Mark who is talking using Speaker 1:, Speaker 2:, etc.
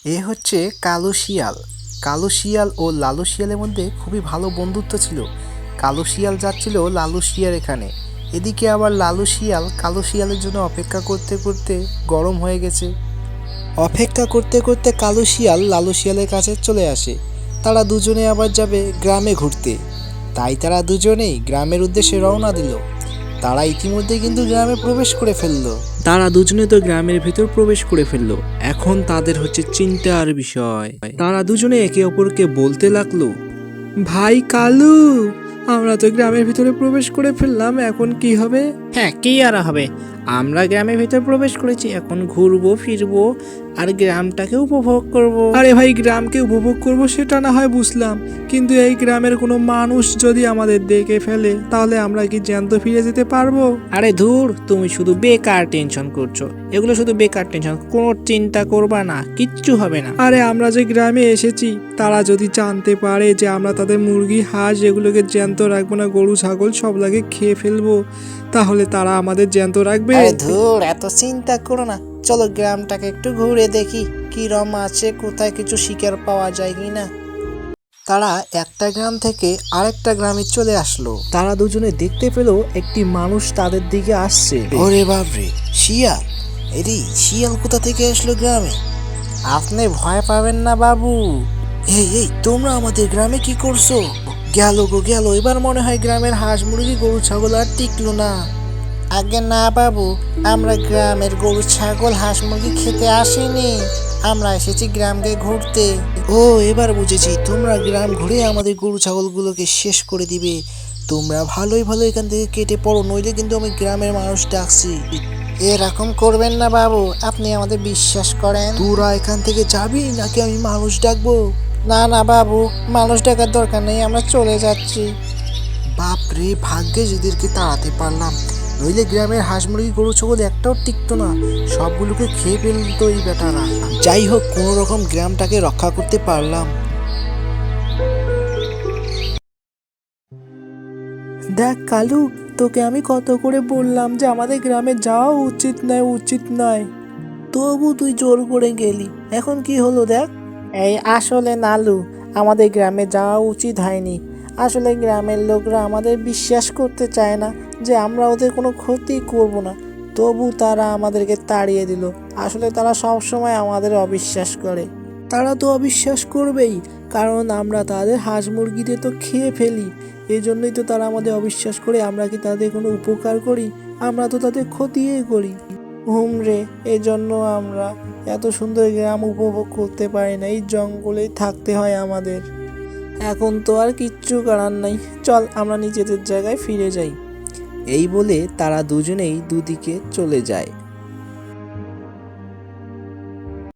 Speaker 1: এ হচ্ছে কালো শিয়াল। কালো শিয়াল ও লালু শিয়ালের মধ্যে খুবই ভালো বন্ধুত্ব ছিল। কালো শিয়াল যাচ্ছিল লালু শিয়াল এখানে, এদিকে আবার লালু শিয়াল কালো শিয়ালের জন্য অপেক্ষা করতে করতে গরম হয়ে গেছে। অপেক্ষা করতে করতে কালো শিয়াল লালু শিয়ালের কাছে চলে আসে। তারা দুজনে আবার যাবে গ্রামে ঘুরতে, তাই তারা দুজনেই গ্রামের উদ্দেশ্যে রওনা দিল। তারা ইতিমধ্যে কিন্তু গ্রামে প্রবেশ করে ফেললো। তারা দুজনে তো গ্রামের ভেতর প্রবেশ করে ফেললো। এখন তাদের হচ্ছে চিন্তার বিষয়। তারা দুজনে একে অপরকে বলতে লাগলো, ভাই কালু, আমরা তো গ্রামের ভিতরে প্রবেশ করে ফেললাম, এখন কি হবে?
Speaker 2: হ্যাঁ, কি আর হবে, আমরা গ্রামের ভিতর প্রবেশ করেছি, এখন ঘুরবো ফিরবো আর গ্রামটাকে উপভোগ করব।
Speaker 1: আরে ভাই, গ্রামকে উপভোগ করব সেটা না হয় বুঝলাম, কিন্তু এই গ্রামের কোনো মানুষ যদি আমাদের দেখে ফেলে তাহলে আমরা কি জ্যান্ত ফিরে যেতে পারবো?
Speaker 2: আরে ধুর, তুমি শুধু বেকার টেনশন করছো, এগুলো শুধু বেকার টেনশন, কোনো চিন্তা করবা না, কিচ্ছু হবে না।
Speaker 1: আরে আমরা যে গ্রামে এসেছি, তারা যদি জানতে পারে যে আমরা তাদের মুরগি হাঁস এগুলোকে জ্যান্ত রাখবো না, গরু ছাগল সবগুলোকে খেয়ে ফেলবো, তাহলে তারা আমাদের জ্যান্ত রাখবে?
Speaker 2: আরে ধুর, এত চিন্তা করো না, চলো গ্রামটাকে একটু ঘুরে দেখি কি রকম আছে, কোথায় কিছু শিকার পাওয়া যায় কিনা।
Speaker 1: তারা একটা গ্রাম থেকে আরেকটা গ্রামে চলে আসলো। তারা দুজনে দেখতে পেল একটি মানুষ তাদের দিকে আসছে।
Speaker 2: ওরে বাপরে, শিয়াল! এরে, শিয়াল কোথা থেকে আসলো গ্রামে? আপনি ভয় পাবেন না বাবু।
Speaker 1: এই এই, তোমরা আমাদের গ্রামে কি করছো? গেল গো গেল, এবার মনে হয় গ্রামের হাঁস মুরগি গরু ছাগল আর টিকলো না।
Speaker 2: আগে না বাবু, আমরা গ্রামের গরু ছাগল হাঁস মুরগি খেতে আসিনি, আমরা এসেছি গ্রামকে ঘুরতে।
Speaker 1: ও, এবার বুঝেছি, তোমরা গ্রাম ঘুরে আমাদের গরু ছাগলগুলোকে শেষ করে দিবে। তোমরা ভালোই ভালো এখান থেকে কেটে পড়ো, নইলে কিন্তু আমি গ্রামের মানুষ ডাকছি।
Speaker 2: এরকম করবেন না বাবু, আপনি আমাদের বিশ্বাস করেন।
Speaker 1: তোরা এখান থেকে যাবি নাকি আমি মানুষ ডাকবো?
Speaker 2: না না বাবু, মানুষ ডাকার দরকার নেই, আমরা চলে যাচ্ছি।
Speaker 1: বাপরে, ভাগ্যে এদেরকে তাড়াতে পারলাম, নইলে গ্রামের হাঁস মুরগি গরু ছাগল একটাও টিকতো না, সবগুলোকে খেয়ে ফেলতো এই বেটারা। যাই হোক, কোনো রকম গ্রামটাকে রক্ষা করতে পারলাম। দেখ কালু, তোকে আমি কত করে বললাম যে আমাদের গ্রামে যাওয়া উচিত নয়, উচিত নয়, তবু তুই জোর করে গেলি। এখন কি হলো দেখ।
Speaker 2: এই আসলে নালু, আমাদের গ্রামে যাওয়া উচিত হয়নি। আসলে গ্রামের লোকরা আমাদের বিশ্বাস করতে চায় না যে আমরা ওদের কোনো ক্ষতি করব না, তবু তারা আমাদেরকে তাড়িয়ে দিল। আসলে তারা সব সময় আমাদের অবিশ্বাস করে।
Speaker 1: তারা তো অবিশ্বাস করবেই, কারণ আমরা তাদের হাঁস মুরগিদের তো খেয়ে ফেলি, এই জন্যই তো তারা আমাদের অবিশ্বাস করে। আমরা কি তাদের কোনো উপকার করি? আমরা তো তাদের ক্ষতিই করি।
Speaker 2: হুমরে, এই জন্য আমরা এত সুন্দর গ্রাম উপভোগ করতে পারি না, এই জঙ্গলেই থাকতে হয় আমাদের।
Speaker 1: এখন তো আর কিচ্ছু করার নাই, চল আমরা নিজেদের জায়গায় ফিরে যাই। এই বলে তারা দুজনেই দুদিকে চলে যায়।